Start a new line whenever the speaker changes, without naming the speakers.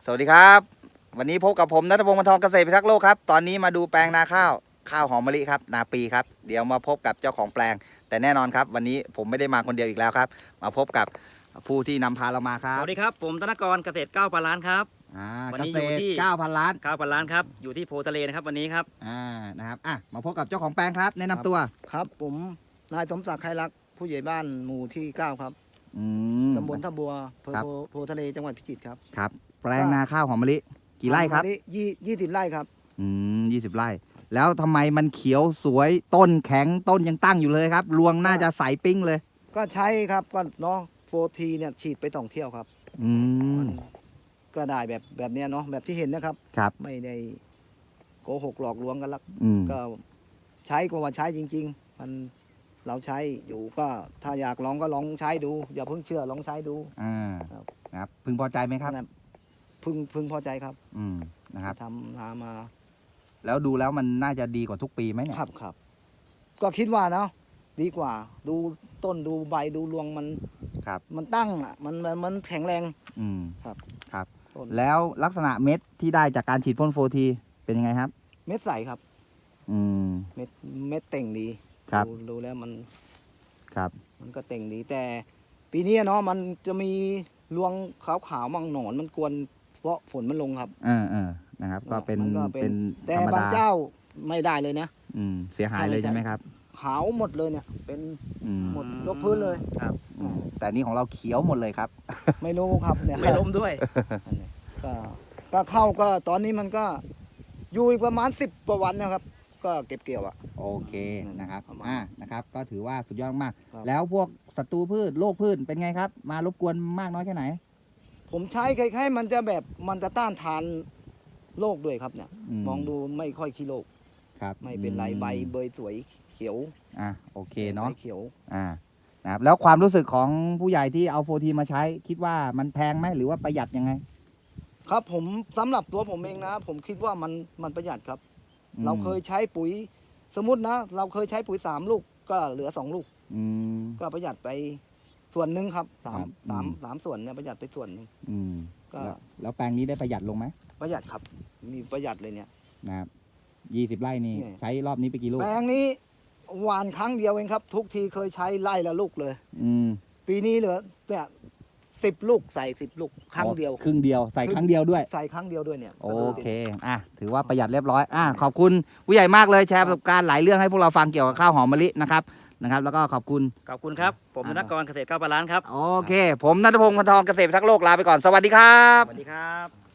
สวัสดีครับวันนี้พบกับผมณัฐพงศ์ วรรณทอง เกษตรพิทักษ์โลกครับตอนนี้มาดูแปลงนาข้าวหอมมะลิครับนาปีครับเดี๋ยวมาพบกับเจ้าของแปลงแต่แน่นอนครับวันนี้ผมไม่ได้มาคนเดียวอีกแล้วครับมาพบกับผู้ที่นำพาเรามาครับ
สวัสดีครับผมธนกรเกษตร9,000 ล้านครับ
เกษตร 9,000 ล้าน
9,000 ล้านครับอยู่ที่โพทะเลนะครับวันนี้ครับ
นะครับมาพบกับเจ้าของแปลงครับแนะนำตัว
ครับผมนายสมศักดิ์ไครรักผู้ใหญ่บ้านหมู่ที่9ครับตำบลท่าบัวอำเภอโพทะเลจังหวัดพิจิตรครับ
ครับแปลงนาข้าวหอมมะลิกี่ไร่ครับ
20 ไร่ครับ
20 ไร่แล้วทำไมมันเขียวสวยต้นแข็งต้นยังตั้งอยู่เลยครับรวงน่าจะใสปิ้งเลย
ก็ใช้ครับก็เนาะโฟทีเนี่ยฉีดไป2 เที่ยวครับก็ได้แบบเนี้ยเนาะแบบที่เห็นนะครับ
ครับ
ไม่ได้โกหกหลอกลวงกันละก็ใช้ก็ว่าใช้จริงๆมันเราใช้อยู่ก็ถ้าอยากลองก็ลองใช้ดูอย่าเพิ่งเชื่อลองใช้ดู
ครับพึงพอใจไหมครับ
พึงพอใจครับ
นะครับ
ทำมา
แล้วดูแล้วมันน่าจะดีกว่าทุกปีไหมเนี่ย
ครับก็คิดว่าเนาะดีกว่าดูต้นดูใบดูรวงมันมันตั้งอ่ะมันแข็งแรง
ครับแล้วลักษณะเม็ดที่ได้จากการฉีดพ่นโฟทีเป็นยังไงครับ
เม็ดใสครับเม็ดเต่งดีดูแล้วมันก็เต่งดีแต่ปีนี้เนาะมันจะมีรวงขาวๆมั่งหนอนมันกวนเพราะฝนมันลงครับ
นะครับก็เป็น
แต่บางเจ้าไม่ได้เลยนะ
เสียหายเลยใช่ไหมครับ
ขาวหมดเลยเนี่ยเป็นหมดยกพื้นเลย
ครับแต่นี่ของเราเขียวหมดเลยครับ
ไม่รู้ครับเนี่ย
ไม่ล้มด้วย
ก็เข้าก็ตอนนี้มันก็อยู่อีกประมาณ10 กว่าวันนะครับก็เก็บเกี่ยว
โอเคนะครับนะครับก็ถือว่าสุดยอดมากแล้วพวกศัตรูพืชโรคพืชเป็นไงครับมารบกวนมากน้อยแค่ไหน
ผมใช้คล้ายๆมันจะแบบมันจะต้านทานโรคด้วยครับเนี่ยมองดูไม่ค่อยขี้โรคไม่เป็นไรใบเบยสวยเขียว
โอเคเนาะ
เขียว
นะครับแล้วความรู้สึกของผู้ใหญ่ที่เอาโฟทีมาใช้คิดว่ามันแพงไหมหรือว่าประหยัดยังไง
ครับผมสำหรับตัวผมเองนะผมคิดว่ามันประหยัดครับเราเคยใช้ปุ๋ยสมมตินะเราเคยใช้ปุ๋ย3 ลูกก็เหลือ2 ลูกก็ประหยัดไปส่วนหนึ่งครับ3 ส่วนเนี่ยประหยัดไปส่วนหนึ่ง
ก็แล้วแปลงนี้ได้ประหยัดลงไหม
ประหยัดครับมีประหยัดเลยเนี่ย
นะครับ20 ไร่นี่ใช้รอบนี้ไปกี่ลูก
แปลงนี้หวานครั้งเดียวเองครับทุกทีเคยใช้ไร่ละลูกเลยปีนี้เหลือเนี่ย10 ลูกใส่10 ลูกครั้งเดียว
ครึ่งเดียวใส่ครั้งเดียวด้วย
ใส่ครั้งเดียวด้วยเนี่ย
โอเคถือว่าประหยัดเรียบร้อยขอบคุณผู้ใหญ่มากเลยแชร์ประสบการณ์หลายเรื่องให้พวกเราฟังเกี่ยวกับข้าวหอมมะลินะครับแล้วก็ขอบคุณ
ครับผมธนกรเกษตร9,000 ล้านครับ
โอเคผมณัฐพงศ์ วรรณทอง เกษตรพิทักษ์โลกลาไปก่อนสวัสดีครับ
สวัสดีครับ